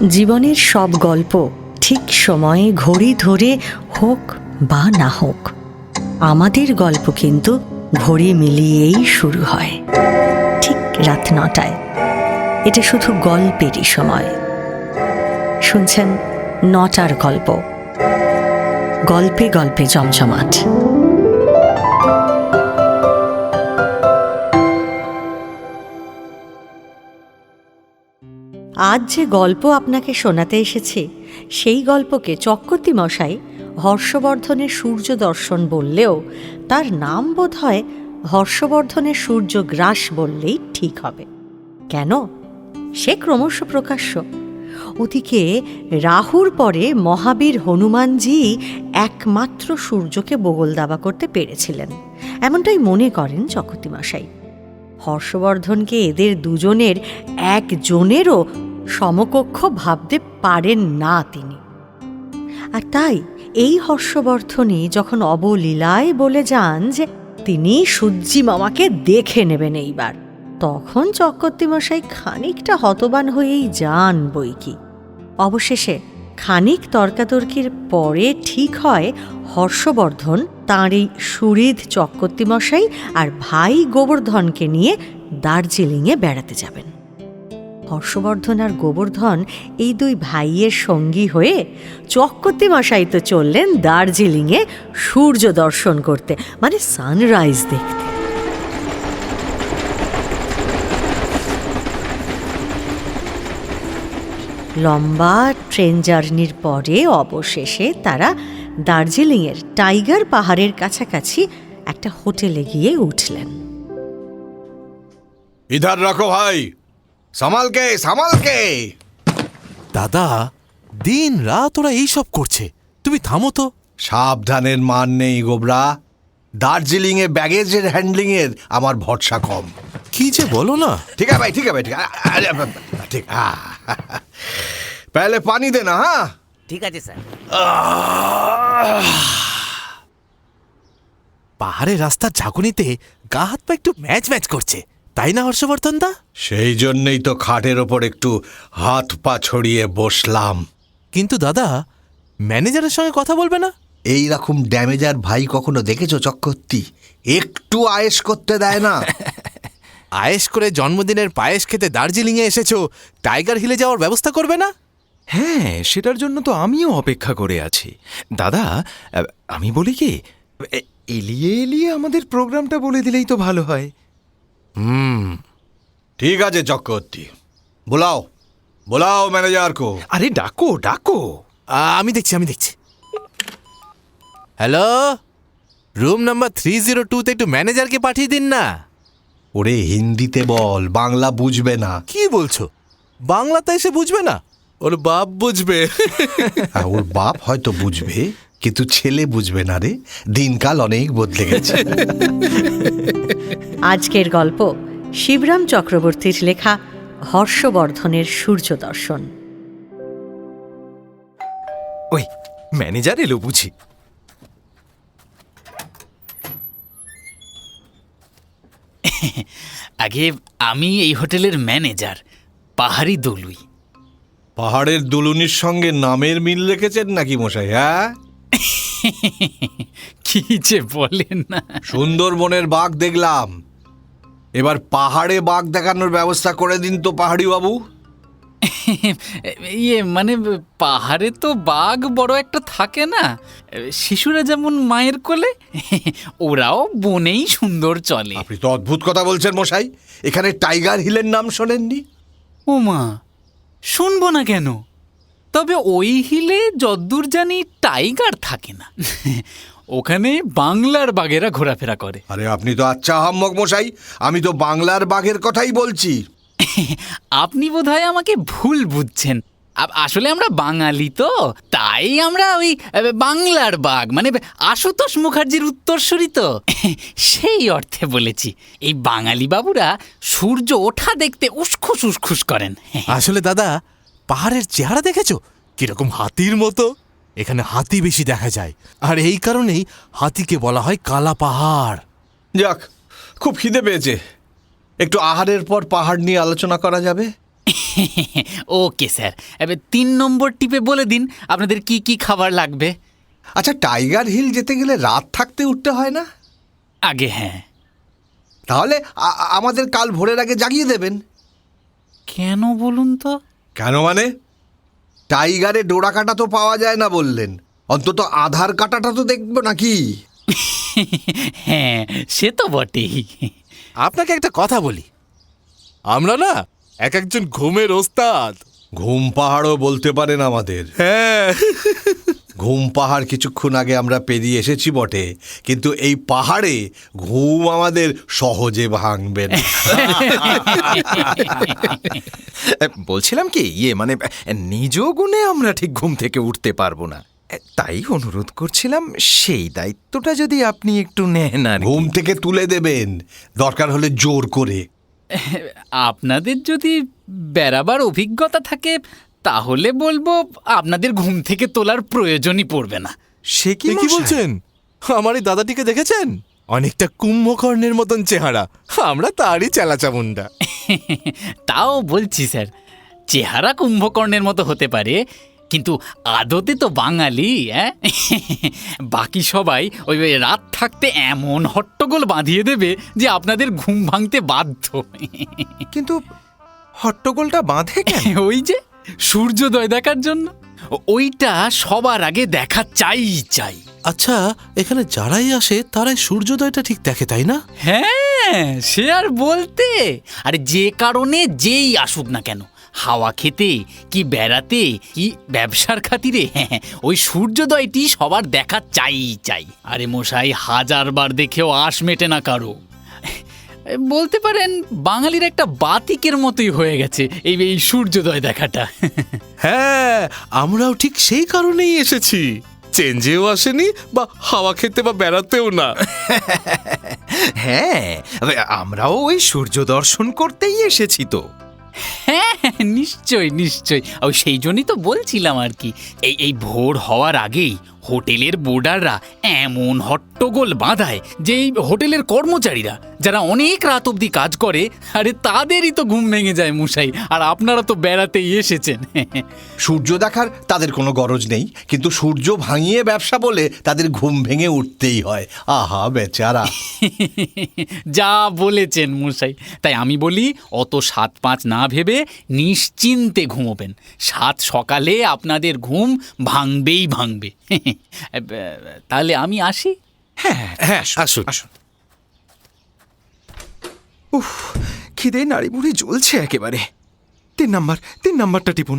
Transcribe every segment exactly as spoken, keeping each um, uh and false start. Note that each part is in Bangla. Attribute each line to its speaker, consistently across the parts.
Speaker 1: জীবনের সব গল্প ঠিক সময়ে ঘড়ি ধরে হোক বা না হোক, আমাদের গল্প কিন্তু ঘড়ি মিলিয়েই শুরু হয়, ঠিক রাত নটায়। এটা শুধু গল্পেরই সময়। শুনছেন নটার গল্প, গল্পে গল্পে জমজমাট। আজ যে গল্প আপনাকে শোনাতে এসেছি, সেই গল্পকে চক্রবর্তী মশাই হর্ষবর্ধনের সূর্য দর্শন বললেও তার নাম বোধ হয় হর্ষবর্ধনের সূর্যগ্রাস বললেই ঠিক হবে। কেন? সে ক্রমশ প্রকাশ্য। ওদিকে রাহুর পরে মহাবীর হনুমানজি একমাত্র সূর্যকে বগল দাবা করতে পেরেছিলেন, এমনটাই মনে করেন চক্রবর্তী মশাই। হর্ষবর্ধনকে এদের দুজনের একজনেরও সমকক্ষ ভাবতে পারেন না তিনি। আর তাই এই হর্ষবর্ধনই যখন অবলীলায় বলে যান যে তিনি সূর্যি মামাকে দেখে নেবেন এইবার, তখন চক্রবর্তী মশাই খানিকটা হতবান হয়েই যান বই কি। অবশেষে খানিক তর্কাতর্কির পরে ঠিক হয় হর্ষবর্ধন তাঁর এই সুহৃদ চক্রবর্তী মশাই আর ভাই গোবর্ধনকে নিয়ে দার্জিলিংয়ে বেড়াতে যাবেন। হর্ষবর্ধন আর গোবর্ধন এই দুই ভাইয়ের সঙ্গী হয়ে চক্রবর্তী মশাই তো চললেন দার্জিলিংয়ে সূর্য দর্শন করতে, মানে সানরাইজ দেখতে। লম্বা ট্রেন জার্নির পরে অবশেষে তারা দার্জিলিংয়ের টাইগার পাহাড়ের কাছাকাছি একটা হোটেলে গিয়ে উঠলেন।
Speaker 2: ইধার রাখো ভাই, সামালকে সামালকে।
Speaker 3: দাদা, দিন রাত ওরা এইসব করছে, তুমি থামো তো।
Speaker 2: সাবধানের মান নেই গোবরা। দার্জিলিং এ ব্যাগেজের হ্যান্ডলিং এর আমার ভরসা কম।
Speaker 3: কি যে বলো না।
Speaker 2: ঠিক আছে ভাই, ঠিক আছে ভাই, ঠিক আছে, ঠিক। पहले पानी देना। हाँ
Speaker 4: ঠিক আছে স্যার।
Speaker 3: পাহাড়ের রাস্তার ঝাঁকুনিতে গা হাত পা একটু ম্যাচ ম্যাচ করছে, তাই না হর্ষবর্ধন দা?
Speaker 2: সেই জন্যই তো খাটের ওপর একটু হাত পা ছড়িয়ে বসলাম।
Speaker 3: কিন্তু দাদা, ম্যানেজারের সঙ্গে কথা বলবে না?
Speaker 2: এই রকম ড্যামেজার ভাই কখনো দেখেছো চক্রবর্তী? একটু আয়েশ করতে দেয় না।
Speaker 3: আয়েশ করে জন্মদিনের পায়েস খেতে দার্জিলিংয়ে এসেছো, টাইগার হিলে যাওয়ার ব্যবস্থা করবে না?
Speaker 5: হ্যাঁ, সেটার জন্য তো আমিও অপেক্ষা করে আছি দাদা। আমি বলি কি, এলিয়ে এলিয়ে আমাদের প্রোগ্রামটা বলে দিলেই তো ভালো হয়।
Speaker 3: হুম,
Speaker 2: ঠিক আছে চক্রবর্তী, বোলাও বোলাও ম্যানেজার কো।
Speaker 5: আরে ডাকো ডাকো।
Speaker 3: আমি দেখছি আমি দেখছি hello, room number three zero two তে একটু ম্যানেজারকে পাঠিয়ে দিন না।
Speaker 2: ওরে হিন্দিতে বল, বাংলা বুঝবে না।
Speaker 3: কি বলছো? বাংলাতে এসে বুঝবে না? ওর বাপ বুঝবে।
Speaker 2: হ্যাঁ, ওর বাপ হয়তো বুঝবে, কিন্তু ছেলে বুঝবে না রে। দিনকাল অনেক বদলে গেছে।
Speaker 1: আজকের গল্প শিবরাম চক্রবর্তীর লেখা হর্ষবর্ধনের সূর্য দর্শন।
Speaker 5: ওই ম্যানেজার এলো বুঝি।
Speaker 4: আগে আমি এই হোটেলের ম্যানেজার পাহাড়ি দলুই।
Speaker 2: পাহাড়ের দুলুনির সঙ্গে নামের মিল রেখেছেন নাকি মশাই? হ্যাঁ,
Speaker 4: কি যে বলেন না।
Speaker 2: সুন্দরবনের বাঘ দেখলাম, এবার পাহাড়ে বাঘ দেখানোর ব্যবস্থা করে দিন তো পাহাড়ি বাবু।
Speaker 4: ইয়ে মানে পাহাড়ে তো বাঘ বড় একটা থাকে না, শিশুরা যেমন মায়ের কোলে, ওরাও বনেই সুন্দর চলে।
Speaker 2: আপনি তো অদ্ভুত কথা বলছেন মশাই। এখানে টাইগার হিলের নাম শোনেননি?
Speaker 4: ও মা, শুনবো না কেন? তবে ওই হিলে যদ্দূর জানি টাইগার থাকে না, ওখানে বাংলার বাঘেরা ঘোরাফেরা করে।
Speaker 2: আরে আপনি তো আচ্ছা আহাম্মক মশাই, আমি তো বাংলার বাঘের কথাই বলছি।
Speaker 4: আপনি বোধহয় আমাকে ভুল বুঝছেন। আসলে আমরা বাঙালি তো, তাই আমরা ওই বাংলার বাঘ মানে আশুতোষ মুখার্জির উত্তরসূরি তো, সেই অর্থে বলেছি। এই বাঙালি বাবুরা সূর্য ওঠা দেখতে উসখুস উসখুস করেন।
Speaker 3: আসলে দাদা, পাহাড়ের চেহারা দেখেছো কিরকম? হাতির মতো। এখানে হাতি বেশি দেখা যায়, আর এই কারণেই হাতিকে বলা হয় কালা পাহাড়।
Speaker 2: যাক, খুব খিদে পেয়েছে, একটু আহারের পর পাহাড় নিয়ে আলোচনা করা যাবে?
Speaker 4: ওকে স্যার, এবার তিন নম্বর টিপে বলে দিন আপনাদের কি কি খাবার লাগবে।
Speaker 2: আচ্ছা, টাইগার হিল যেতে গেলে রাত থাকতে উঠতে হয় না?
Speaker 4: আগে হ্যাঁ।
Speaker 2: তাহলে আ- আ- আমাদের কাল ভোরের আগে জাগিয়ে দেবেন।
Speaker 4: কেন বলুন তো?
Speaker 2: কেন মানে? টাইগারে ডোরা কাটা তো পাওয়া যায় না বললেন, অন্তত আধার কাটাটা তো দেখবো নাকি?
Speaker 4: হ্যাঁ, সে তো বটেই।
Speaker 3: আপনাকে একটা কথা বলি, আমরা না এক একজন ঘুমের ওস্তাদ।
Speaker 2: ঘুম পাহাড়ও বলতে পারেন আমাদের।
Speaker 3: হ্যাঁ,
Speaker 2: ঘুম পাহাড় কিছুক্ষণ আগে আমরা পেরিয়ে এসেছি বটে, কিন্তু এই পাহাড়ে ঘুম আমাদের সহজে ভাঙবে না।
Speaker 5: বলছিলাম কি, ইয়ে মানে নিজ গুণে আমরা ঠিক ঘুম থেকে উঠতে পারবো না, তাই অনুরোধ করছিলাম সেই দায়িত্বটা যদি আপনি একটু নেন আর কি।
Speaker 2: ঘুম থেকে তুলে দেবেন, দরকার হলে জোর করে।
Speaker 4: আপনাদের যদি বেড়াবার অভিজ্ঞতা থাকে তাহলে বলবো আপনাদের ঘুম থেকে তোলার প্রয়োজনই পড়বে না।
Speaker 5: সে কি
Speaker 3: এ কি
Speaker 5: মশাই?
Speaker 3: বলছেন? আমার এই দাদাটিকে দেখেছেন? অনেকটা কুম্ভকর্ণের মতন চেহারা, আমরা তারই চেলাচামুন্ডা।
Speaker 4: তাও বলছি স্যার, চেহারা কুম্ভকর্ণের মতো হতে পারে, কিন্তু আদতে তো বাঙালি। হ্যাঁ, বাকি সবাই ওই ওই রাত থাকতে এমন হট্টগোল বাঁধিয়ে দেবে যে আপনাদের ঘুম ভাঙতে বাধ্য।
Speaker 5: কিন্তু হট্টগোলটা বাঁধে কেন?
Speaker 4: ওই যে সূর্যোদয় দেখার জন্য, ও- ওইটা সবার আগে দেখা চাই চাই।
Speaker 3: আচ্ছা, এখানে যারাই আসে তারাই সূর্যোদয়টা ঠিক দেখে, তাই না?
Speaker 4: হ্যাঁ, সে আর বলতে। আরে যে কারণে যেই আসুক না কেন, হাওয়া খেতে কি বেড়াতে কি ব্যবসার খাতিরে, হ্যাঁ, ওই সূর্যোদয়টি সবার দেখা চাই চাই। আরে মশাই, হাজারবার দেখেও আশ মেটে না কারো। বলতে পারেন বাঙালির একটা বাতিকের মতোই হয়ে গেছে এই এই সূর্যোদয় দেখাটা।
Speaker 3: হ্যাঁ, আমরাও ঠিক সেই কারণেই এসেছি। চেঞ্জেও আসেনি, বা হাওয়া খেতে বা বেড়াতেও না।
Speaker 5: হ্যাঁ, আমরাও ওই সূর্য দর্শন করতেই এসেছি তো।
Speaker 4: হ্যাঁ, নিশ্চয় নিশ্চয়, ও সেই জন্যই তো বলছিলাম আর কি। এই এই ভোর হওয়ার আগেই হোটেলের বোর্ডাররা এমন হট্টগোল বাঁধায় যে এই হোটেলের কর্মচারীরা যারা অনেক রাত অবধি কাজ করে, আরে তাদেরই তো ঘুম ভেঙে যায় মশাই। আর আপনারা তো বেড়াতেই এসেছেন।
Speaker 2: সূর্য দেখার তাদের কোনো গরজ নেই, কিন্তু সূর্য ভাঙিয়ে ব্যবসা বলে তাদের ঘুম ভেঙে উঠতেই হয়। আহা বেচারা।
Speaker 4: যা বলেছেন মশাই, তাই আমি বলি অত সাত পাঁচ না ভেবে নিশ্চিন্তে ঘুমোবেন। সাত সকালে আপনাদের ঘুম ভাঙবেই ভাঙবে। তাহলে আমি আসি।
Speaker 5: হ্যাঁ
Speaker 3: হ্যাঁ, আসুন।
Speaker 5: আসুন। উফ, খিদে নাড়ি বুড়ি জ্বলছে একেবারে। তিন নাম্বার তিন নাম্বারটা টিপুন।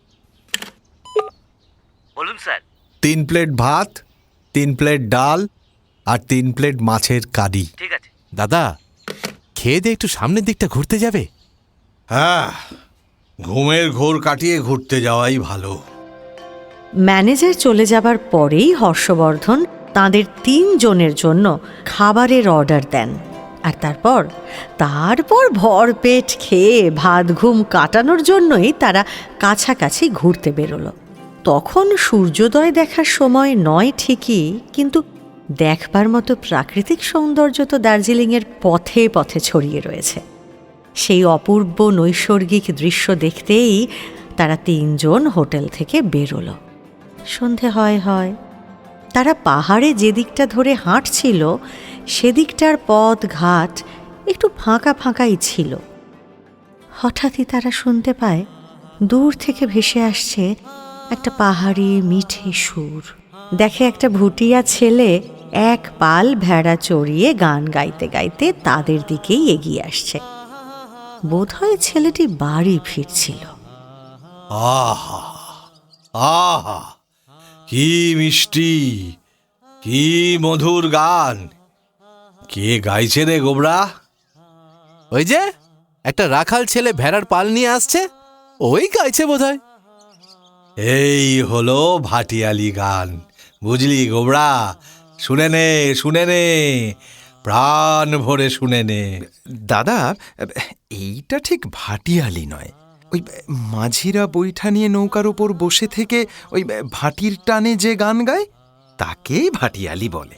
Speaker 6: বলুন স্যার।
Speaker 2: তিন প্লেট ভাত, তিন প্লেট ডাল আর তিন প্লেট মাছের কারি।
Speaker 6: ঠিক আছে।
Speaker 3: দাদা, খেয়ে দিয়ে একটু সামনের দিকটা ঘুরতে যাবে?
Speaker 2: হ্যাঁ, ঘুমের ঘোর কাটিয়ে ঘুরতে যাওয়াই ভালো।
Speaker 1: ম্যানেজার চলে যাবার পরেই হর্ষবর্ধন তাদের তিনজনের জন্য খাবারের অর্ডার দেন। আর তারপর তারপর ভরপেট খেয়ে ভাত ঘুম কাটানোর জন্যই তারা কাছাকাছি ঘুরতে বেরোলো। তখন সূর্যোদয় দেখার সময় নয় ঠিকই, কিন্তু দেখবার মতো প্রাকৃতিক সৌন্দর্য তো দার্জিলিংয়ের পথে পথে ছড়িয়ে রয়েছে। সেই অপূর্ব নৈসর্গিক দৃশ্য দেখতেই তারা তিনজন হোটেল থেকে বেরোলো। সন্ধে হয় হয় তারা পাহাড়ে যে দিকটা ধরে হাঁটছিল সেদিকটার পথ ঘাট একটু ফাঁকা ফাঁকাই ছিল। হঠাৎই তারা শুনতে পায় দূর থেকে ভেসে আসছে একটা পাহাড়ি মিঠে সুর। দেখে একটা ভুটিয়া ছেলে এক পাল ভেড়া চড়িয়ে গান গাইতে গাইতে তাদের দিকেই এগিয়ে আসছে। বোধহয় ছেলেটি বাড়ি ফিরছিল।
Speaker 2: আহা আহা, কি মিষ্টি, কি মধুর গান! কে গাইছে রে গোবরা?
Speaker 3: ওই যে একটা রাখাল ছেলে ভেড়ার পাল নিয়ে আসছে, ওই গাইছে বোধহয়।
Speaker 2: এই হলো ভাটিয়ালি গান, বুঝলি গোবরা? শুনে নে, শুনে নে, প্রাণ ভরে শুনে নে।
Speaker 5: দাদা, এইটা ঠিক ভাটিয়ালি নয়। ওই মাঝিরা বৈঠা নিয়ে নৌকার উপর বসে থেকে ওই ভাটির টানে যে গান গায় তাকেই ভাটিয়ালি বলে।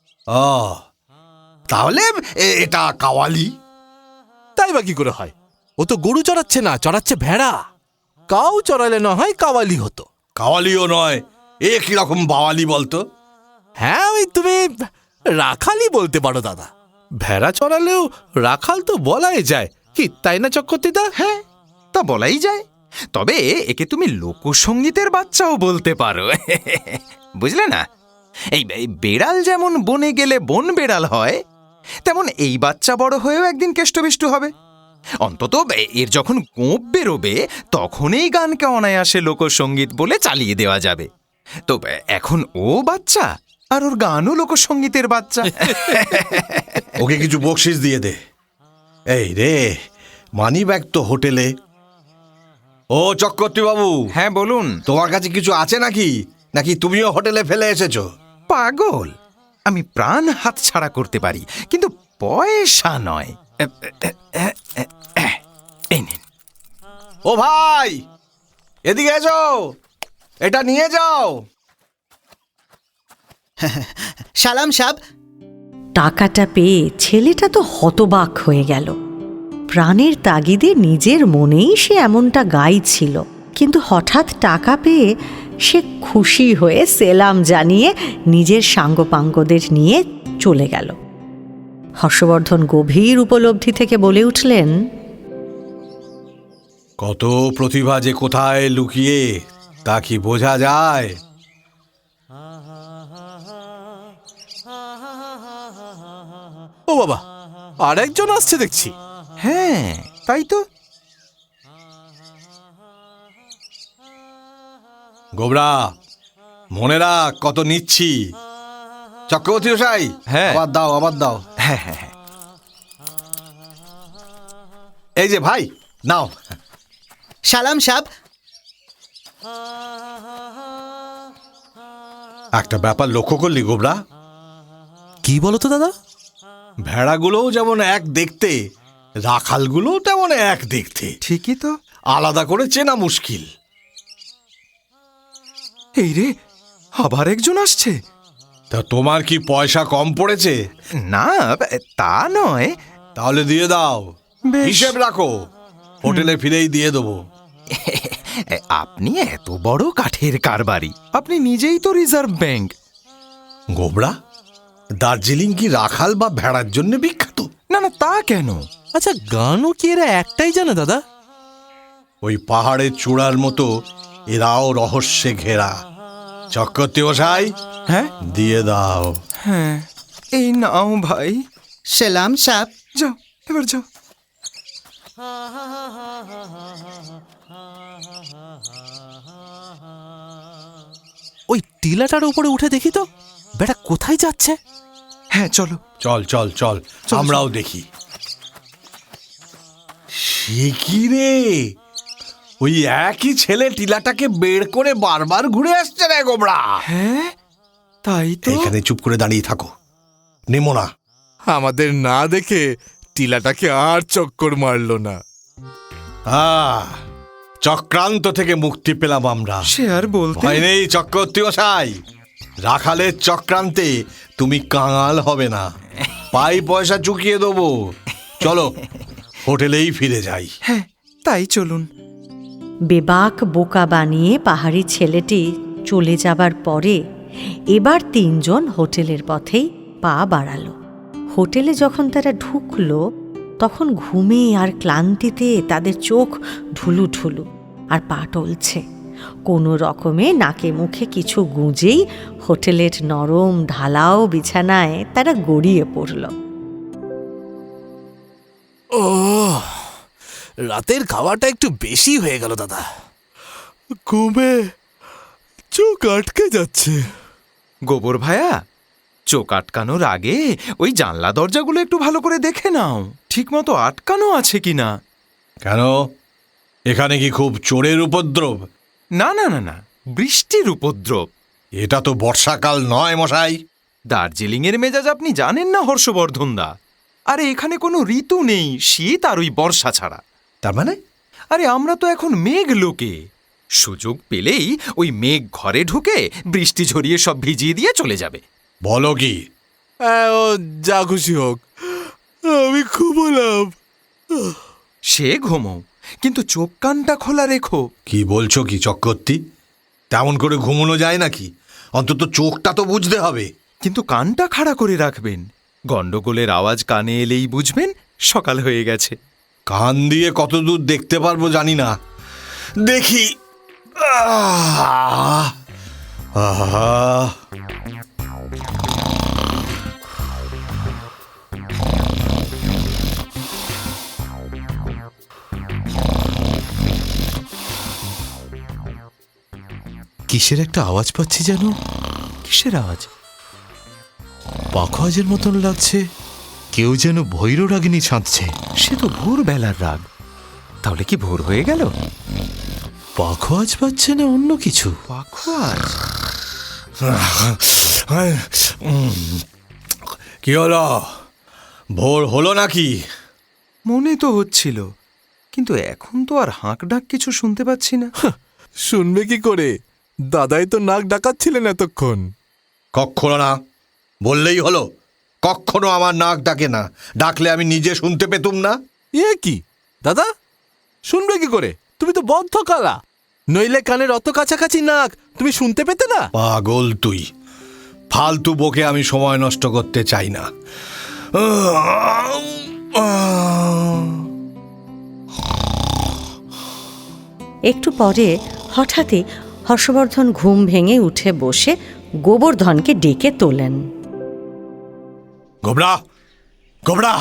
Speaker 2: ও, তাহলে এ- এটা কাওয়ালি।
Speaker 3: তাই বা কি করে হয়? ও তো গরু চড়াচ্ছে না, চড়াচ্ছে ভেড়া। কাউ চড়ালে না হয় কাওয়ালি হতো।
Speaker 2: কাওয়ালিও নয়, এ কিরকম বাওয়ালি বলতো?
Speaker 3: হ্যাঁ, ওই তুমি রাখালি বলতে পারো দাদা।
Speaker 6: ভেড়া চড়ালেও রাখাল তো বলাই যায়, কি তাই না চক্রবর্তীদা?
Speaker 5: হ্যাঁ, তা বলাই যায়। তবে একে তুমি লোকসঙ্গীতের বাচ্চাও বলতে পারো। বুঝলে না? এই এই বেড়াল যেমন বনে গেলে বন বেড়াল হয়, তেমন এই বাচ্চা বড় হয়েও একদিন কেষ্টবিষ্টু হবে। অন্তত এর যখন গোঁপ বেরোবে তখনই গানকে অনায়াসে লোকসঙ্গীত বলে চালিয়ে দেওয়া যাবে। তো এখন ও বাচ্চা, আর ওর গানও লোকসঙ্গীতের বাচ্চা।
Speaker 2: ওকে কিছু বকশিস দিয়ে দে। এই রে, মানি ব্যাগ তো হোটেলে। ও চক্রবর্তী বাবু,
Speaker 5: হ্যাঁ বলুন।
Speaker 2: তোমার কাছে কিছু আছে নাকি, নাকি তুমিও হোটেলে ফেলে এসেছো?
Speaker 5: পাগল, আমি প্রাণ হাত ছাড়া করতে পারি, কিন্তু পয়সা নয়। এই নিন।
Speaker 2: ও ভাই, এদিকে এসো, এটা নিয়ে যাও।
Speaker 7: সালাম সাব।
Speaker 1: টাকাটা পেয়ে ছেলেটা তো হতবাক হয়ে গেল। প্রাণের তাগিদে নিজের মনেই সে এমনটা গাইছিল, কিন্তু হঠাৎ টাকা পেয়ে সে খুশি হয়ে সেলাম জানিয়ে নিজের সাঙ্গপাঙ্গদের নিয়ে চলে গেল। হর্ষবর্ধন গভীর উপলব্ধি থেকে বলে উঠলেন,
Speaker 2: কত প্রতিভা যে কোথায় লুকিয়ে তা কি বোঝা যায়?
Speaker 3: ও বাবা, আর একজন আসছে দেখছি।
Speaker 5: হ্যাঁ, তাই তো।
Speaker 2: গোবরা, মনে রাখ কত নিচ্ছি। চক্রবর্তী মশাই,
Speaker 5: হ্যাঁ।
Speaker 2: আবার দাও, আবার দাও।
Speaker 5: হ্যাঁ হ্যাঁ হ্যাঁ।
Speaker 2: এই যে ভাই, নাও।
Speaker 7: সালাম সাব।
Speaker 2: একটা ব্যাপার লক্ষ্য করলি গোবরা?
Speaker 3: কি বলো তো দাদা?
Speaker 2: ভেড়াগুলোও যেমন এক দেখতে, রাখালগুলোও তেমন এক দেখতে।
Speaker 5: ঠিকই তো।
Speaker 2: আলাদা করে চেনা মুশকিল।
Speaker 5: এই রে, আবার একজন আসছে।
Speaker 2: তা তোমার কি পয়সা কম পড়েছে?
Speaker 5: না, তা নয়।
Speaker 2: তাহলে দিয়ে দাও,
Speaker 5: বেশ।
Speaker 2: হিসেব রাখো, হোটেলে ফিরেই দিয়ে দেবো।
Speaker 5: আপনি এত বড় কাঠের কারবারি, আপনি নিজেই তো রিজার্ভ ব্যাংক।
Speaker 2: গোবরা, দার্জিলিং কি রাখাল বা ভেড়ার জন্য বিখ্যাত?
Speaker 5: না না, তা কেন?
Speaker 3: আচ্ছা, গানও কি এরা একটাই জানে দাদা?
Speaker 2: ওই পাহাড়ের চূড়ার মতো এরাও রহস্যে ঘেরা। চক্রবর্তী মশাই,
Speaker 5: হ্যাঁ
Speaker 2: দিয়ে দাও।
Speaker 5: হ্যাঁ, এই নাও ভাই।
Speaker 7: সালাম সাব।
Speaker 5: যাও, এবার যাও।
Speaker 3: ওই টিলাটার উপরে উঠে দেখি তো, বেটা কোথায় যাচ্ছে।
Speaker 5: হ্যাঁ চলো।
Speaker 2: চল চল চল, আমরাও দেখি। সে কি রে, ওই একই ছেলে টিলাটাকে বের করে বারবার ঘুরে আসছে রে গোবরা।
Speaker 5: হ্যাঁ, তাই তো।
Speaker 2: এখানে চুপ করে দাঁড়িয়ে থাকো, নেমো না।
Speaker 3: আমাদের না দেখে টিলাটাকে আর চক্কর মারলো না।
Speaker 2: আহ, চক্রান্ত থেকে মুক্তি পেলাম আমরা।
Speaker 5: সে আর বলতে।
Speaker 2: ভয় নেই চক্রবর্তী মশাই, রাখালের চক্রান্তে তুমি কাঙাল হবে না। পাই পয়সা চুকিয়ে দেবো। চলো, হোটেলেই ফিরে যাই।
Speaker 5: হ্যাঁ, তাই চলুন।
Speaker 1: বেবাক বোকা বানিয়ে পাহাড়ি ছেলেটি চলে যাবার পরে এবার তিনজন হোটেলের পথেই পা বাড়ালো। হোটেলে যখন তারা ঢুকলো তখন ঘুমে আর ক্লান্তিতে তাদের চোখ ঢুলু ঢুলু আর পা টলছে। কোনো রকমে নাকে মুখে কিছু গুঁজেই হোটেলের নরম ঢালাও বিছানায় তারা গড়িয়ে পড়ল।
Speaker 3: ও, রাতের খাওয়াটা একটু বেশি হয়ে গেল দাদা। ঘুমে চোখ আটকে যাচ্ছে।
Speaker 5: গোবর ভায়া, চোখ আটকানোর আগে ওই জানলা দরজাগুলো একটু ভালো করে দেখে নাও, ঠিক মতো আটকানো আছে কিনা।
Speaker 2: কেন, এখানে কি খুব চোরের উপদ্রব?
Speaker 5: না না না না, বৃষ্টির উপদ্রব।
Speaker 2: এটা তো বর্ষাকাল নয় মশাই।
Speaker 5: দার্জিলিং এর মেজাজ আপনি জানেন না হর্ষবর্ধন দা। আরে এখানে কোনো ঋতু নেই, শীত আর ওই বর্ষা ছাড়া।
Speaker 2: তার মানে?
Speaker 5: আরে আমরা তো এখন মেঘ লোকে, সুযোগ পেলেই ওই মেঘ ঘরে ঢুকে বৃষ্টি ঝরিয়ে সব ভিজিয়ে দিয়ে চলে যাবে।
Speaker 2: বলো কি?
Speaker 3: হ্যাঁ, ও যা খুশি হোক, আমি খুব হলাম।
Speaker 5: সে ঘুমো, কিন্তু চোখ কানটা খোলা রেখো।
Speaker 2: কি বলছো কি চক্রবর্তী? তেমন করে ঘুমোনো যায় নাকি? অন্তত চোখটা তো বুঝতে হবে।
Speaker 5: কিন্তু কানটা খাড়া করে রাখবেন। গন্ডগোলের আওয়াজ কানে এলেই বুঝবেন সকাল হয়ে গেছে।
Speaker 2: কান দিয়ে কত দূর দেখতে পারবো জানি না, দেখি। আহ! আহ!
Speaker 3: কিসের একটা আওয়াজ পাচ্ছি যেন।
Speaker 5: কিসের আওয়াজ?
Speaker 3: পাখোয়াজের মতন লাগছে। কেউ যেন ভৈররাগিনী ছাঁদছে।
Speaker 5: সে তো ভোর বেলার রাগ। তাহলে কি ভোর হয়ে গেল?
Speaker 3: পাখোয়াজ পাচ্ছে না অন্য কিছু?
Speaker 5: পাখোয়াজ?
Speaker 2: কি হলো? ভোর হলো নাকি?
Speaker 5: মনে তো হচ্ছিল, কিন্তু এখন তো আর হাঁক ডাক কিছু শুনতে পাচ্ছি না।
Speaker 3: শুনবে কি করে? দাদাই তো নাক ডাকাচ্ছিলেন এতক্ষণ।
Speaker 2: কক্ষনো না, বললেই হলো। কক্ষনো আমার নাক ডাকে না। ডাকলে আমি নিজে শুনতে পেতুম না?
Speaker 3: এ কি দাদা, শুনবে কি করে? তুমি তো বদ্ধ কালা, নইলে কানের অত কাছাকাছি নাক, তুমি শুনতে পেতে না?
Speaker 2: পাগল তুই। ফালতু বকে আমি সময় নষ্ট করতে চাই না।
Speaker 1: একটু পরে হঠাৎই হর্ষবর্ধন ঘুম ভেঙে উঠে বসে গোবর্ধনকে ডেকে তোলেন।
Speaker 2: গোবরা, গোবরা!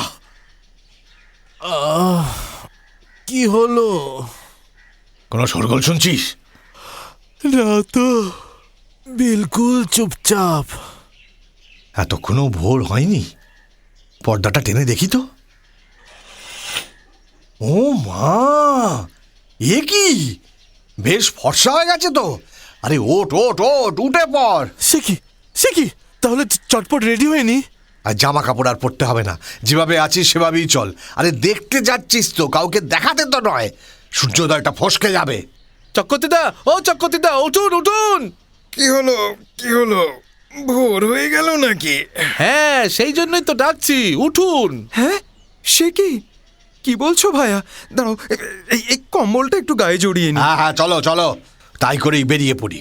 Speaker 3: কি হলো?
Speaker 2: কোনো শোরগোল শুনছিস?
Speaker 3: না তো, বিলকুল চুপচাপ।
Speaker 2: এতক্ষণও ভোর হয়নি? পর্দাটা টেনে দেখি তো। ও মা, এ কি? বেশ ফর্সা হয়ে গেছে তো। আরে ওঠ ওঠ ওঠ, উঠে পড়।
Speaker 3: সে কি সে কি তাহলে চটপট রেডি হয়নি?
Speaker 2: আর জামা কাপড় আর পরতে হবে না, যেভাবে আছিস সেভাবেই চল। আরে দেখতে যাচ্ছিস তো, কাউকে দেখাতে তো নয়। সূর্যোদয়টা ফসকে যাবে।
Speaker 6: চক্রবর্তীদা, ও চক্রবর্তীদা, উঠুন উঠুন।
Speaker 5: কি হলো? কি হলো? ভোর হয়ে গেল নাকি?
Speaker 6: হ্যাঁ, সেই জন্যই তো ডাকছি, উঠুন।
Speaker 5: হ্যাঁ, সে কি? কি বলছো ভাইয়া? দাঁড়াও, এই এই কম্বলটা একটু গায়ে জড়িয়ে নি।
Speaker 2: হ্যাঁ হ্যাঁ, চলো চলো, তাই করেই বেরিয়ে পড়ি।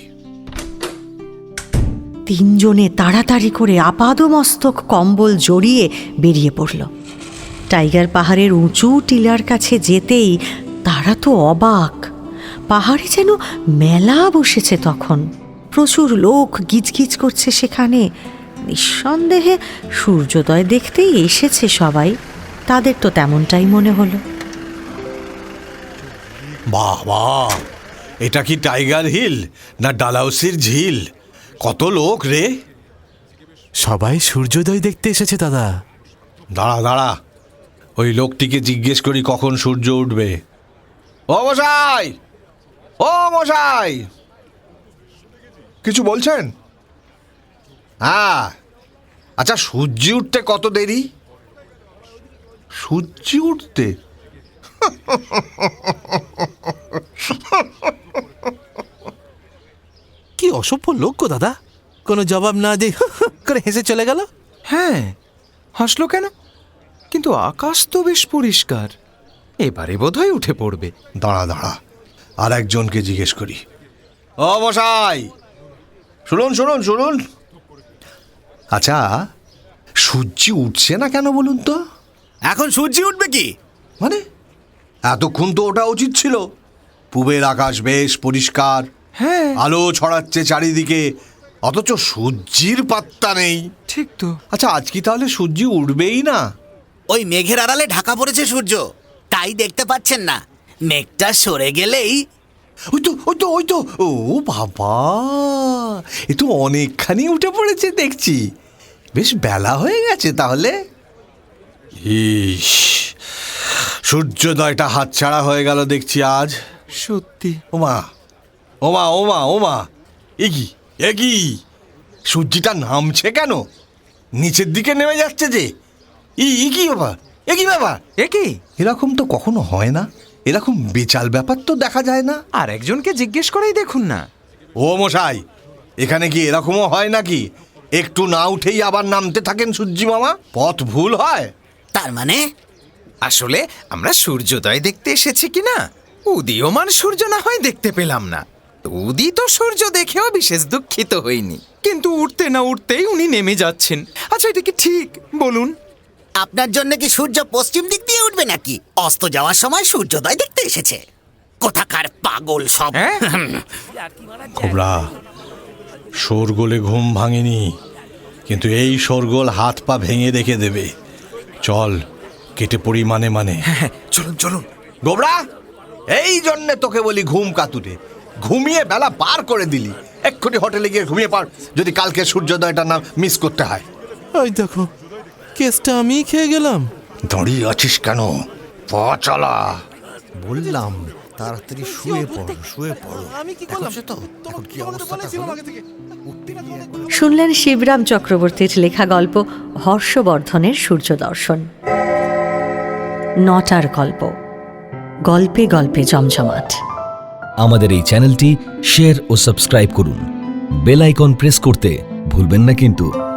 Speaker 1: তিনজনে তাড়াতাড়ি করে আপাদমস্তক কম্বল জড়িয়ে বেরিয়ে পড়ল। টাইগার পাহাড়ের উঁচু টিলার কাছে যেতেই তারা তো অবাক। পাহাড়ে যেন মেলা বসেছে তখন। প্রচুর লোক গিজগিজ করছে সেখানে। নিঃসন্দেহে সূর্যোদয় দেখতেই এসেছে সবাই। তাদের তো তেমনটাই মনে হলো।
Speaker 2: বাহ বাহ, এটা কি টাইগার হিল না ডালাউসির ঝিল? কত লোক রে!
Speaker 3: সবাই সূর্যোদয় দেখতে এসেছে দাদা।
Speaker 2: দাঁড়া দাঁড়া, ওই লোকটিকে জিজ্ঞেস করি কখন সূর্য উঠবে। ও মশাই, ও মশাই, কিছু বলছেন? হ্যাঁ, আচ্ছা, সূর্য উঠতে কত দেরি? সূর্য উঠতে?
Speaker 3: কি অসভ্য লোক গো দাদা, কোনো জবাব না দিয়ে করে হেসে চলে গেল।
Speaker 5: হ্যাঁ, হাসলো কেন? কিন্তু আকাশ তো বেশ পরিষ্কার। এবারে বোধহয় উঠে পড়বে।
Speaker 2: দাঁড়া দাঁড়া, আর একজনকে জিজ্ঞেস করি। ও মশাই, শুনুন শুনুন শুনুন, আচ্ছা, সূর্য উঠছে না কেন বলুন তো?
Speaker 7: এখন সূর্য উঠবে কি?
Speaker 2: মানে এতক্ষণ তো ওটা উচিত ছিল। পূবের আকাশ বেশ পরিষ্কার,
Speaker 5: হ্যাঁ,
Speaker 2: আলো ছড়াচ্ছে চারিদিকে, অথচ সূর্যের পাত্তা নেই।
Speaker 5: ঠিক তো।
Speaker 2: আচ্ছা, আজ কি তাহলে সূর্য উঠবেই না?
Speaker 8: ওই মেঘের আড়ালে ঢাকা পড়েছে সূর্য, তাই দেখতে পাচ্ছেন না। মেঘটা সরে গেলেই
Speaker 2: ওই তো ওই তো ওই তো ও বাবা, এ তো অনেকখানি উঠে পড়েছে দেখছি। বেশ বেলা হয়ে গেছে তাহলে। ইস, সূর্যোদয়টা হাতছাড়া হয়ে গেল দেখছি আজ।
Speaker 5: সত্যি।
Speaker 2: ওমা ওমা ওমা ওমা, এ কি এ কি, সূর্যটা নামছে কেন? নিচের দিকে নেমে যাচ্ছে যে। ই ই কি ব্যাপার, এ কি ব্যাপার?
Speaker 5: এ কি?
Speaker 2: এরকম তো কখনো হয় না। এরকম বেচাল ব্যাপার তো দেখা যায় না।
Speaker 5: আর একজনকে জিজ্ঞেস করেই দেখুন না।
Speaker 2: ও মশাই, এখানে কি এরকমও হয় নাকি? একটু না উঠেই আবার নামতে থাকেন সূর্যি মামা? পথ ভুল হয়?
Speaker 8: তার মানে
Speaker 5: আসলে আমরা সূর্যোদয় দেখতে এসেছি কিনা উদীয়মান সূর্য না হয় দেখতে পেলাম না। উদিত সূর্য দেখেও বিশেষ দুঃখিত হইনি, কিন্তু উঠতে না উঠতেই উনি নেমে যাচ্ছেন। আচ্ছা, এটা কি ঠিক বলুন?
Speaker 8: আপনার জন্য কি সূর্য পশ্চিম দিক দিয়ে উঠবে নাকি? অস্ত যাওয়ার সময় সূর্যোদয় দেখতে এসেছে। কোথাকার পাগল সব।
Speaker 5: হ্যাঁ?
Speaker 2: খোবরা, শোরগোলে ঘুম ভাঙেনি, কিন্তু এই শোরগোল হাত পা ভেঙে রেখে দেবে। চল, কেটে পড়ি মানে মানে।
Speaker 5: হ্যাঁ, চলুন চলুন।
Speaker 2: গোবরা, এই জন্যে তোকে বলি ঘুম কাতুরে, ঘুমিয়ে বেলা পার করে দিলি। এক্ষুনি হোটেলে গিয়ে ঘুমিয়ে পার, যদি কালকে সূর্যোদয়টা না মিস করতে হয়।
Speaker 3: ওই দেখো, কেসটা আমি খেয়ে গেলাম।
Speaker 2: দাঁড়িয়ে আছিস কেন? পা চালা।
Speaker 7: বললাম তাড়াতাড়ি শুয়ে পড়ো, শুয়ে পড়ো।
Speaker 3: আমি কি করলাম?
Speaker 7: তো এখন কি অবস্থাটা হলো? উঠতে গিয়ে একবার-
Speaker 1: শুনলেন শিবরাম চক্রবর্তীর লেখা গল্প হর্ষবর্ধনের সূর্য দর্শন। নটার গল্প, গল্পে গল্পে জমজমাট।
Speaker 9: আমাদের এই চ্যানেলটি শেয়ার ও সাবস্ক্রাইব করুন। বেল আইকন প্রেস করতে ভুলবেন না কিন্তু।